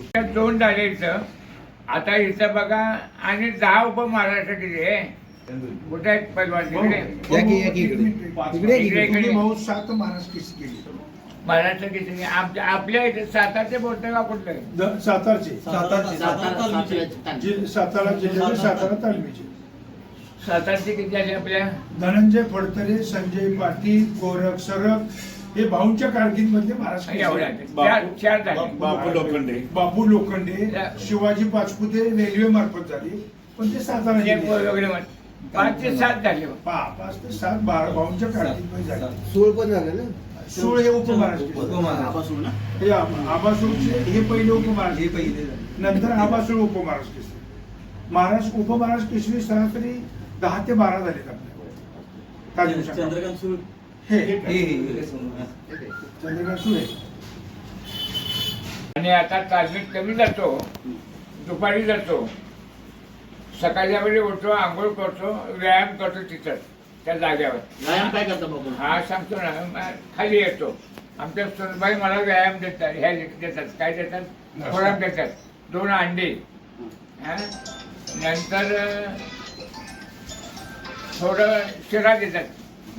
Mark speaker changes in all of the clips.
Speaker 1: दोन झाले इथं. आता इथं बघा आणि 10 उपमहाराष्ट्र किती आहे कुठे आहेत पैलवान इकडे
Speaker 2: भाऊ 7 महाराष्ट्र केसरी केली.
Speaker 1: महाराष्ट्र किती आपल्या इथे सातारचे बोलतोय का कुठलं
Speaker 2: सातारा जिल्ह्याचे सातारा तालमीचे
Speaker 1: सातारचे किती झाले आपल्या
Speaker 2: धनंजय फडतरे, संजय पाटील, गोरख सरफ हे भाऊंच्या कारकिर्दीमधले महाराष्ट्र
Speaker 1: एवढ्या
Speaker 2: केसरी.
Speaker 1: चार झाले.
Speaker 2: बापू लोखंडे, शिवाजी पाचपुते रेल्वे मार्फत झाले, पण ते सातारा
Speaker 1: वगैरे 5 ते 7 झाले.
Speaker 2: 5 ते 7 12 भाऊंच्या कारकिर्दीमध्ये झाले.
Speaker 3: 16 पण झाले ना.
Speaker 2: 16 हे उपमहाराष्ट्र हे आबासूळचे हे पहिले उपमहाराष्ट्र, हे पहिले नंतर आबासूळ उपमहाराष्ट्र केसरी. महाराष्ट्र उपमहाराष्ट्र केसरी सरासरी 10 ते 12 झालेत आपल्या.
Speaker 3: चंद्रकांत सुरू
Speaker 2: चंद्रकांत सुळे.
Speaker 1: आणि आता तालमीत कमी जातो, दुपारी जातो, सकाळच्या वेळी उठतो, आंघोळ करतो, व्यायाम करतो तिथं त्या जाग्यावर.
Speaker 3: व्यायाम काय करता बाबू?
Speaker 1: हा सांगतो ना, खाली येतो. आमच्या सुनबाई मला व्यायाम देतात, ह्या देतात, काय देतात, खोराक देतात, 2 अंडे, नंतर थोडं शिरा देतात.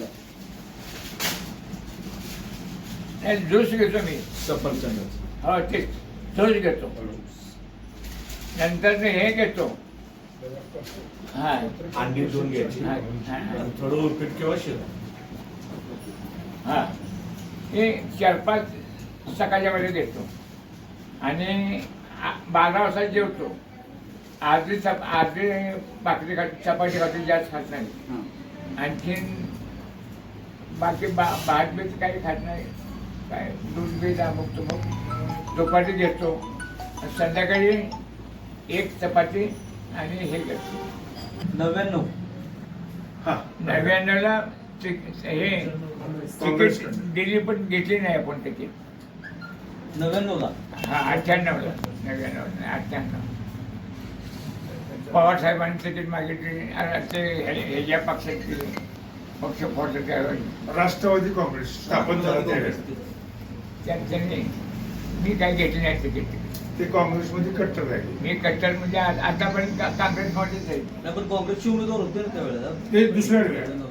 Speaker 1: ज्यूस घेतो मी,
Speaker 3: सफरचंद.
Speaker 1: हो तेच ज्यूस घेतो. नंतर हे घेतो, हा
Speaker 3: अंडी 2 घ्यायची, थोडं उपीट किंवा शिरा.
Speaker 1: हा हे 4-5 सकाळच्या वेळेला घेतो आणि 12 वाजता जेवतो. अर्धी भाकरी खाते, चपाती खाते, जास्त खात नाही. आणखीन बाकी भात बीत काही खात नाही, काय दूध बीत अमुक तुमक. दुपारी घेतो, संध्याकाळी 1 चपाती आणि हे घेतो.
Speaker 3: 99
Speaker 1: 99ला हे तिकीट दिली, पण घेतली नाही आपण तिकीट.
Speaker 3: 99ला
Speaker 1: हा 98ला 98 पवार साहेबांनी तिकीट मागितली. ते ह्याच्या पक्षात पक्ष फोडलं त्यावेळी,
Speaker 2: राष्ट्रवादी काँग्रेस स्थापन झालं त्यावेळेस
Speaker 1: त्यांनी मी काही घेतली नाही तिकीट.
Speaker 2: ते काँग्रेसमध्ये कट्टर राहिले.
Speaker 1: मी कट्टर म्हणजे आतापर्यंत काँग्रेसमध्येच आहे.
Speaker 3: नाही, पण काँग्रेसचे उमेदवार होते ना त्यावेळेला.
Speaker 2: ते दुसऱ्या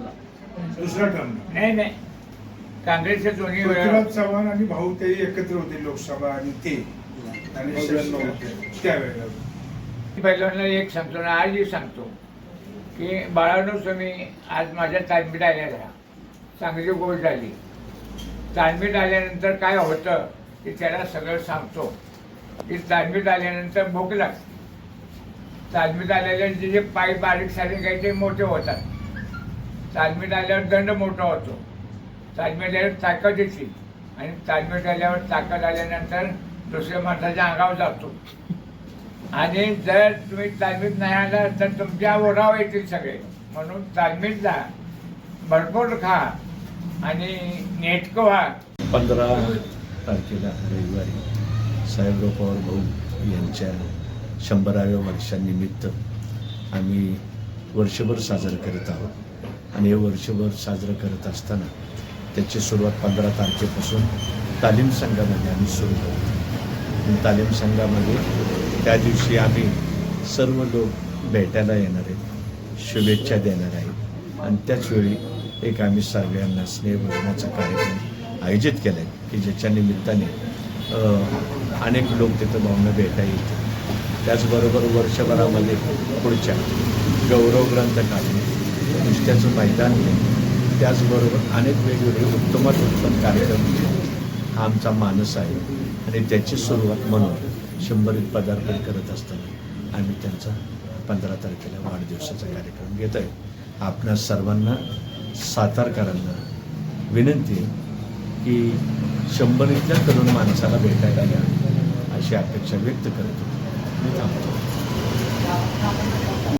Speaker 2: टर्म
Speaker 1: नाही काँग्रेसचे दोन्ही
Speaker 2: पृथ्वीराज चव्हाण आणि भाऊ ते एकत्र होते लोकसभा आणि ते आणि त्यावेळेला.
Speaker 1: पहिल्यांदा एक सांगतो ना, आजही सांगतो की बाळांनो, तुम्ही आज माझ्या तालमीत आलेल्या चांगली गोष्ट झाली. तालमीत आल्यानंतर काय होतं की त्याला सगळं सांगतो की तालमीत आल्यानंतर भूक लागते. तालमीत आलेल्या जे पाय बारीक सारीक आहे ते मोठे होतात. तालमीत आल्यावर दंड मोठा होतो. तालमीत आल्यावर ताकद येते आणि तालमीत आल्यावर ताकद आल्यानंतर दुसऱ्या माणसाच्या अंगावर जातो. आणि जर तुम्ही तालमीत नाही आला तर तुमच्या ओरावर येतील सगळे. म्हणून तालमीत जा, भरपूर खा आणि नेटकं व्हा.
Speaker 4: 15 तारखेला रविवारी साहेबराव पवार भाऊ यांच्या 100व्या वर्षानिमित्त आम्ही वर्षभर साजरं करत आहोत. आणि हे वर्षभर साजरं करत असताना त्याची सुरुवात 15 तारखेपासून तालीम संघामध्ये आम्ही सुरू करतो. तालीम संघामध्ये त्या दिवशी आम्ही सर्व लोक भेटायला येणार आहेत, शुभेच्छा देणार आहेत. आणि त्याचवेळी एक आम्ही सगळ्यांना स्नेहभोजनाचा कार्यक्रम आयोजित केला आहे की ज्याच्या निमित्ताने अनेक लोक तिथं भावना भेटा येतील. त्याचबरोबर वर्षभरामध्ये पुढच्या गौरव ग्रंथ काढणे, नुसत्याचं मैदान घेणे, त्याचबरोबर अनेक वेगवेगळे उत्तमात उत्तम कार्यक्रम हा आमचा मानस आहे. आणि त्याची सुरुवात म्हणून 100वीत पदार्पण करत असताना आम्ही त्यांचा 15 तारखेला वाढदिवसाचा कार्यक्रम घेत आहे. आपणा सर्वांना सातारकरांना विनंती आहे की 100वीतल्या तरुण माणसाला भेटायला या अशी अपेक्षा व्यक्त करतो. मी थांबतो.